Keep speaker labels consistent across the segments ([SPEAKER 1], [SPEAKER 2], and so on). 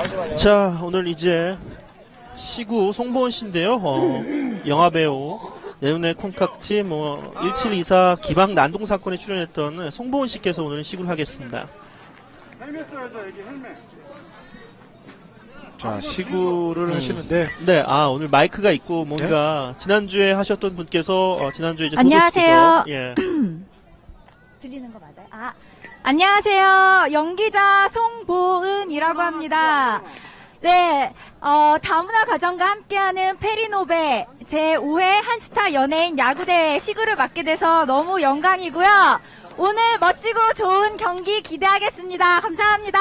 [SPEAKER 1] 자, 오늘 이제 시구 송보은 씨인데요. 영화배우, 내 눈의 콩깍지, 1724 기방 난동 사건에 출연했던 송보은 씨께서 오늘 시구를 하겠습니다.
[SPEAKER 2] 헬멧 써야죠, 여기 헬멧.
[SPEAKER 3] 자, 시구를 하시는데.
[SPEAKER 1] 네, 오늘 마이크가 있고 뭔가 지난주에 하셨던 분께서 지난주에 이제
[SPEAKER 4] 안녕하세요.
[SPEAKER 1] 예.
[SPEAKER 4] 들리는 거 맞아요? 안녕하세요. 연기자 송보은이라고 합니다. 네, 다문화 가정과 함께하는 페리노베 제5회 한스타 연예인 야구대 시구를 맡게 돼서 너무 영광이고요. 오늘 멋지고 좋은 경기 기대하겠습니다. 감사합니다.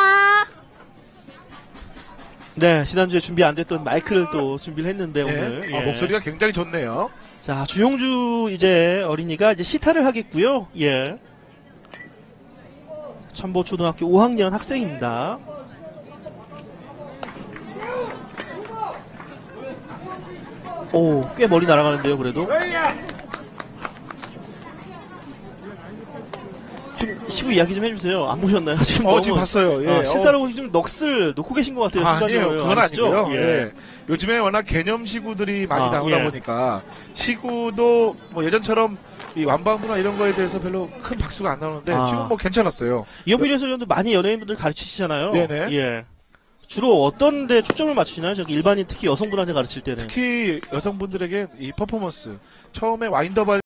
[SPEAKER 1] 네, 지난주에 준비 안 됐던 마이크를 또 준비를 했는데 오늘. 예.
[SPEAKER 3] 목소리가 굉장히 좋네요.
[SPEAKER 1] 자, 주용주 이제 어린이가 이제 시타를 하겠고요. 예. 천보초등학교 5학년 학생입니다. 오, 꽤 멀리 날아가는데요, 그래도. 좀 시구 이야기 좀 해주세요. 안 보셨나요? 지금 너무,
[SPEAKER 3] 지금 봤어요. 예.
[SPEAKER 1] 실사로 좀 넋을 놓고 계신 것 같아요.
[SPEAKER 3] 아니에요.
[SPEAKER 1] 순간적으로.
[SPEAKER 3] 그건
[SPEAKER 1] 아시죠?
[SPEAKER 3] 아니고요.
[SPEAKER 1] 예.
[SPEAKER 3] 예. 요즘에 워낙 개념 시구들이 많이 나오다
[SPEAKER 1] 예.
[SPEAKER 3] 보니까 시구도 뭐 예전처럼 이 완방구나 이런 거에 대해서 별로 큰 박수가 안 나오는데 지금 뭐 괜찮았어요.
[SPEAKER 1] 이현필 해설위원도 많이 연예인분들 가르치시잖아요.
[SPEAKER 3] 네네.
[SPEAKER 1] 예. 주로 어떤 데 초점을 맞추시나요? 저기 일반인 특히 여성분한테 가르칠 때는.
[SPEAKER 3] 특히 여성분들에게 이 퍼포먼스 처음에 와인더바